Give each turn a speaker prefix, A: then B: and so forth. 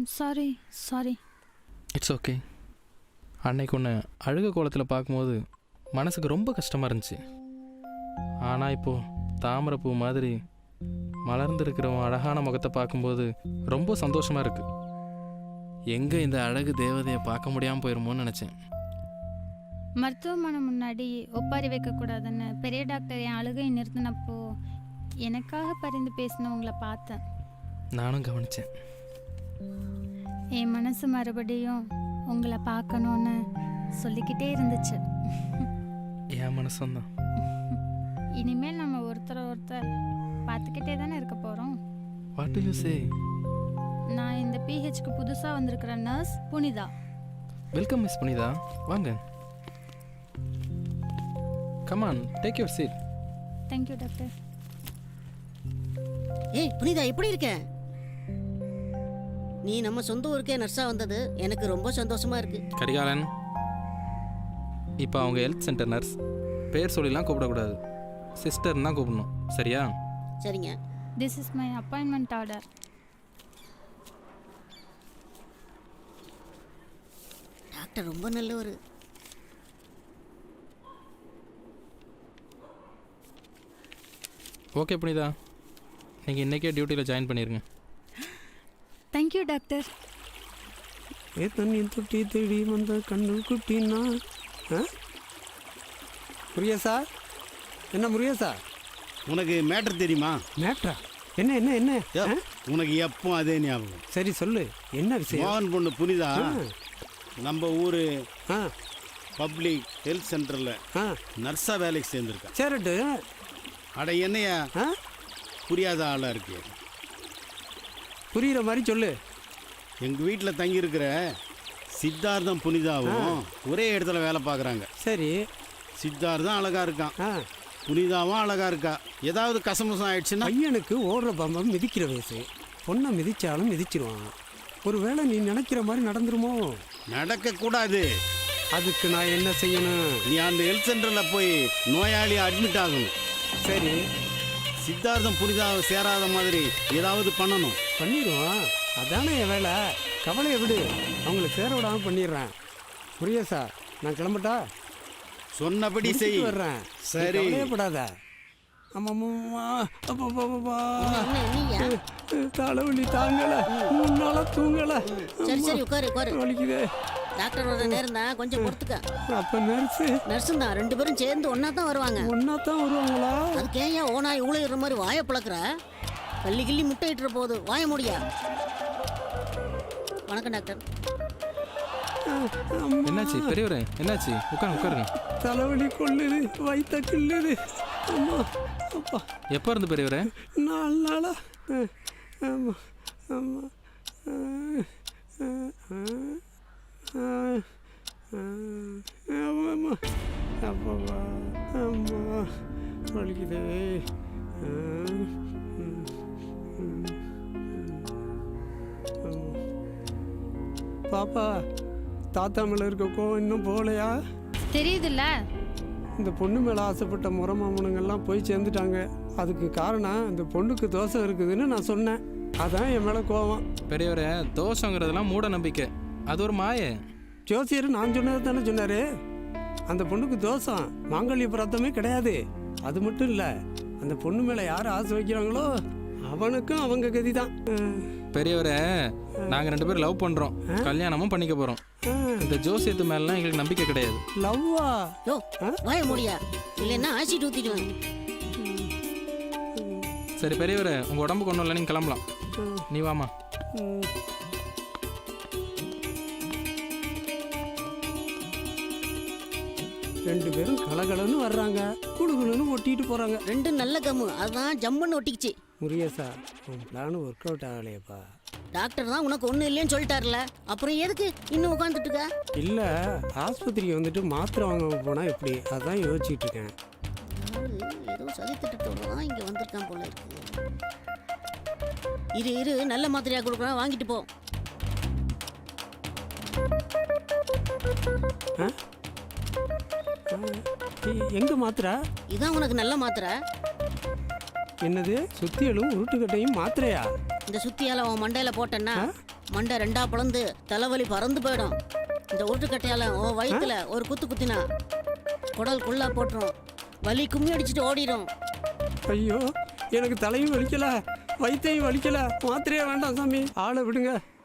A: Sorry sorry.
B: It's okay. அன்னைக்கு ஒன்று அழுக கோலத்தில் பார்க்கும்போது மனசுக்கு ரொம்ப கஷ்டமாக இருந்துச்சு. ஆனால் இப்போது தாமரைப்பூ மாதிரி மலர்ந்துருக்கிற அழகான முகத்தை பார்க்கும்போது ரொம்ப சந்தோஷமாக இருக்குது. எங்கே இந்த அழகு தேவதையை பார்க்க முடியாமல் போயிருமோன்னு நினச்சேன்.
A: மருத்துவமனை முன்னாடி ஒப்பாரி வைக்கக்கூடாதுன்னு பெரிய டாக்டர் என் அழுகை நிறுத்தினப்போ எனக்காக பரிந்து பேசினவங்கள பார்த்தேன்.
B: நானும் கவனித்தேன்.
A: என் மனசு மறுபடியும் உங்களை பார்க்கணுன்னு சொல்லிக்கிட்டே இருந்துச்சு.
B: என் மனசும் தான்.
A: இனிமேல் நம்ம ஒருத்தர் பார்த்துக்கிட்டே தானே இருக்க போகிறோம்.
B: What do you say?
A: நான் இந்த பிஹெச்க்கு புதுசாக வந்திருக்கிற nurse Punitha.
B: Welcome miss Punitha, வாங்க. Come on, take your seat.
A: Thank you doctor.
C: ஏய் புனிதா, எப்படி இருக்க? நீ நம்ம சொந்த ஊருக்கே நர்ஸா வந்தது எனக்கு ரொம்ப சந்தோஷமா இருக்கு.
B: கரிகாலன், இப்போ அவங்க ஹெல்த் சென்டர் நர்ஸ். பேர் சொல்லிலாம் கூப்பிடக்கூடாது, சிஸ்டர்னு தான் கூப்பிடணும், சரியா?
C: சரிங்க.
A: This is my appointment order.
C: Doctor ரொம்ப நல்லவர்.
B: ஓகே புனிதா, நீங்கள் இன்றைக்கே டியூட்டியில் ஜாயின் பண்ணிடுங்க.
A: Thank you doctor.
D: ஏ தண்ணி தொட்டி தேடி வந்த கண்ணு குட்டினா. முருகேசா, என்ன முருகேசா?
E: உனக்கு மேட்டர் தெரியுமா?
D: மேட்ரா? என்ன என்ன என்ன?
E: உனக்கு எப்போ அதே ஞாபகம்.
D: சரி சொல்லு, என்ன விஷயம்?
E: மோகன் பொண்ணு புனிதா நம்ம ஊர்
D: ஆ
E: பப்ளிக் ஹெல்த் சென்டரில் நர்ஸாக வேலைக்கு சேர்ந்துருக்கா.
D: சரிட்டு.
E: அட என்னையா புரியாத ஆளாக இருக்கு.
D: புரியுற மாதிரி சொல்லு.
E: எங்கள் வீட்டில் தங்கியிருக்கிற சித்தார்த்தம் புனிதாவும் ஒரே இடத்துல வேலை பார்க்குறாங்க.
D: சரி.
E: சித்தார்த்தம் அழகாக இருக்கான், புனிதாவும் அழகாக இருக்கா. ஏதாவது கசமசம் ஆயிடுச்சுன்னா
D: பையனுக்கு ஓடுற பம்பம் மிதிக்கிற வயசு. பொண்ணை மிதிச்சாலும் மிதிச்சிருவான். ஒரு வேளை நீ நினைக்கிற மாதிரி நடந்துருமோ?
E: நடக்கக்கூடாது.
D: அதுக்கு நான் என்ன செய்யணும்?
E: நீ அந்த ஹெல்த் சென்டரில் போய் நோயாளி அட்மிட் ஆகணும்.
D: சரி.
E: சித்தார்த்தம் புனிதாவை சேராத மாதிரி ஏதாவது பண்ணணும்.
D: பண்ணிடுவான், அதானே என் வேலை. கவலையை விடு, அவங்கள சேர விடாமல் பண்ணிடுறேன். முருகேசா, நான் கிளம்பட்டா?
E: சொன்னபடி செய்.
D: வர்றேன்.
E: சரி,
D: கவலையப்படாத. தலைவலி தாங்கல, முன்னால தூங்கல.
C: சரி சரி, உட்காரு உட்காரு.
D: வலிக்குதே.
C: டாக்டர் வர நேரம் தான், கொஞ்சம் பொறுத்துக்க.
D: அப்ப நர்ஸும்
C: தான், ரெண்டு பேரும் சேர்ந்து ஒன்னா தான் வருவாங்க.
D: ஒன்னா தான் வருவாங்களா?
C: அதுக்கு ஏன் ஓனா இவ்வளோ இடுற மாதிரி வாயை பழக்கிற? கள்ளி கிள்ளி முட்டை இட்டுற போது வாய முடியா? வணக்கம் டாக்டர்.
B: என்னாச்சு பெரியவரே, என்னாச்சு? உட்காருங்க.
D: தலைவலி கொள்ளுது, வயிற்ற கிள்ளுது. அம்மா அப்பா.
B: எப்போ இருந்து பெரியவரே?
D: 4 நாளா. ஆமா ஆமா. ஆமாம்மா. அப்பா அம்மா வலிக்குதே. பாப்பா, தாத்தா மேலே இருக்க கோவம் இன்னும் போகலையா?
A: தெரியுதுல்ல,
D: இந்த பொண்ணு மேலே ஆசைப்பட்ட முறை மாமனுங்கெல்லாம் போய் சேர்ந்துட்டாங்க. அதுக்கு காரணம் இந்த பொண்ணுக்கு தோசை இருக்குதுன்னு நான் சொன்னேன். அதான் என் மேலே கோவம்.
B: பெரியவரே, தோஷங்கிறதெல்லாம் மூட நம்பிக்கை, அது ஒரு மாயை.
D: ஜோசியர் நான் சொன்னது தானே சொன்னார். அந்த பொண்ணுக்கு தோஷம் மாங்கல்ய பிரார்த்தமே கிடையாது. அது மட்டும் இல்லை, அந்த பொண்ணு மேலே யார் ஆசை வைக்கிறாங்களோ அவனுக்கும் அவங்க கதி தான்.
B: பெரியவரே, நாங்கள் 2 பேரும் லவ் பண்ணுறோம், கல்யாணமும் பண்ணிக்க போகிறோம். இந்த ஜோசியத்து மேலாம் எங்களுக்கு நம்பிக்கை கிடையாது.
D: லவ்வா?
C: யோ வாய முடியா, இல்லைன்னா ஆசிட் ஊற்றிடுவேன்.
B: சரி பெரியவரே, உங்கள் உடம்புக்கு ஒன்றும் இல்லை, நீங்கள் கிளம்பலாம். நீ வாமா.
D: ரெண்டு பேரும் கலகலன்னு வர்றாங்க, குடுகுலுன்னு ஒட்டிட்டு போகிறாங்க.
C: ரெண்டும் நல்ல கம்மு, அதுதான் ஜம்முன்னு ஒட்டிக்கிச்சு.
D: முருகேசா, உன் பிளான் ஒர்க் அவுட் ஆகலையப்பா.
C: டாக்டர் தான் உனக்கு ஒன்றும் இல்லைன்னு சொல்லிட்டார்ல, அப்புறம் எதுக்கு இன்னும் உட்காந்துட்டு இருக்க?
D: இல்லை, ஆஸ்பத்திரிக்கு வந்துட்டு மாத்திரை வாங்க போனால் எப்படி, அதான் யோசிச்சுட்டு இருக்கேன்.
C: ஏதோ சதி திட்டத்தோட தான் இங்கே வந்திருக்கான் போல இருக்கு. இரு நல்ல மாத்திரையாக கொடுக்குறேன், வாங்கிட்டு போ.
D: எங்க மாத்திரை?
C: இதான் உனக்கு நல்ல மாத்திரை.
D: என்னது? சுத்தியலும் உருட்டுக்கட்டையும் மாத்திரையா?
C: இந்த சுத்தியால உன் மண்டையில போட்டேன்னா மண்டை ரெண்டா பிளந்து தலைவலி பறந்து போயிடும். இந்த உருட்டுக்கட்டையால உன் வயித்துல ஒரு குத்து குத்தினா குடல் குள்ளா போட்டுரும். வலி கும்மி அடிச்சுட்டு ஓடிடும்.
D: ஐயோ, எனக்கு தலையும் வலிக்கல, வயிற்றையும் வலிக்கல, மாத்திரையே வேண்டாம் சாமி, ஆளை விடுங்க.